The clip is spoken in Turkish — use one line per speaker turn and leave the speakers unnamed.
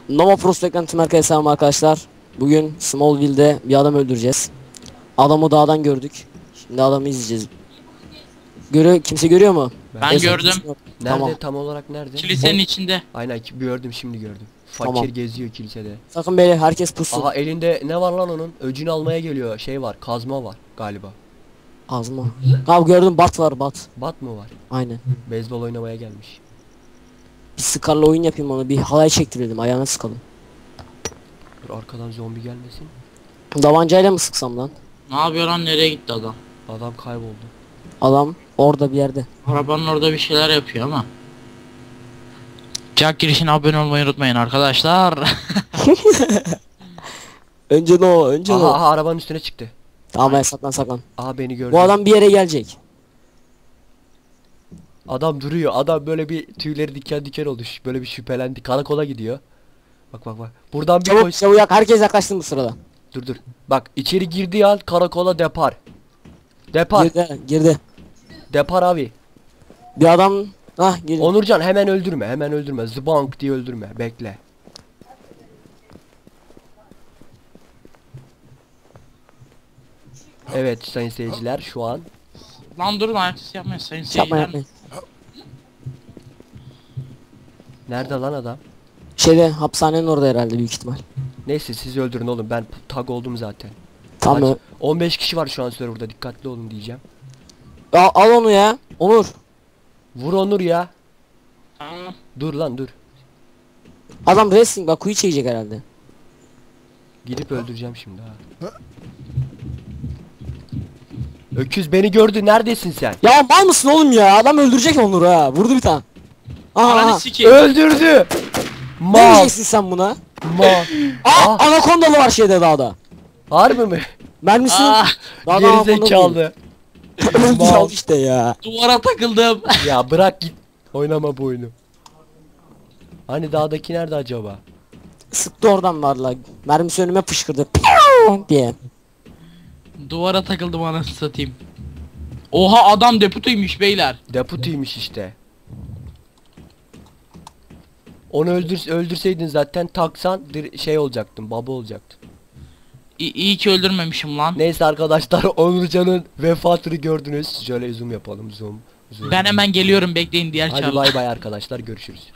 Nova Prosto Ekranı herkese selam arkadaşlar. Bugün Smallville'de bir adam öldüreceğiz. Adamı dağdan gördük. Şimdi adamı izleyeceğiz. Kimse görüyor mu?
Ben gördüm.
Nerede
Tamam.
tam olarak nerede?
Kilisenin içinde.
Aynen gördüm, şimdi gördüm. Fakir
Tamam.
geziyor kilisede.
Sakın beyler, herkes pussun.
Aha, elinde ne var lan onun? Öcünü almaya geliyor. Şey var, kazma var galiba.
Ağzıma. Abi gördüm, bat var, bat.
Bat mı var?
Aynen.
Beyzbol oynamaya gelmiş.
Bir Scar'la oyun yapayım, onu bir halay çektirelim, ayağına sıkalım.
Dur, arkadan zombi gelmesin.
Davancayla mı sıksam lan?
Ne yapıyor lan, nereye gitti adam?
Adam kayboldu.
Adam orada bir yerde.
Arabanın orada bir şeyler yapıyor ama. Jack girişine abone olmayı unutmayın arkadaşlar.
Önce ne o, önce ne
Aha,
o.
aha, arabanın üstüne çıktı.
Tamam ben saklan.
Aha, beni gördü.
Bu adam bir yere gelecek.
Adam duruyor. Adam böyle bir tüyleri diken diken oldu. Böyle bir şüphelendi. Karakola gidiyor. Bak bak bak. Buradan bir
Çabuk
koş.
çabuk yak, herkes yaklaştı bu sırada.
Dur. Bak, içeri girdiği an karakola depar. Depar.
Girdi.
Depar abi.
Bir adam girdi.
Onurcan, hemen öldürme. Hemen öldürme. Zbank diye öldürme. Bekle. Evet sayın seyirciler, şu an
Lan durun, ayaküstü yapmayın sayın
Yapma
seyirciler.
yapmayın.
nerede lan adam?
Şeyde, hapishanenin orada herhalde, büyük ihtimal.
Neyse, siz öldürün oğlum, ben tag oldum zaten.
Tamam.
Kaç? 15 kişi var şu an serverda, dikkatli olun diyeceğim.
Al onu ya. Onur.
Vur Onur ya.
Tamam.
Dur lan dur.
Adam wrestling, bak kuyu çekecek herhalde.
Gidip öldüreceğim şimdi ha. Öküz beni gördü, neredesin sen?
Ya mal mısın oğlum ya? Adam öldürecek Onur'u ha. Vurdu bir tane.
Ananı
Aha.
sikeyim.
Öldürdü.
Ne
Mal.
diyeceksin sen buna?
Mal. Ah,
Anakondalı var şeyde, dağda.
harbi mi?
Mermisini
Ah,
dağda anakonda değil.
Gerizekalı.
Öldür
Mal.
al işte ya.
duvara takıldım.
Ya bırak git. Oynama bu oyunu. Hani dağdaki nerede acaba?
Sıktı oradan varla. Mermisi önüme fışkırdı. Diye.
Duvara takıldım, anasını satayım. Oha, adam deputuymuş beyler.
Deputiymiş işte. Onu öldürseydin zaten, taksan şey olacaktın, baba olacaktın.
İyi ki öldürmemişim lan.
Neyse arkadaşlar, Onurcan'ın vefatını gördünüz. Şöyle zoom yapalım, zoom.
Ben hemen geliyorum, bekleyin diğer
Hadi
çarla.
bay bay arkadaşlar, görüşürüz.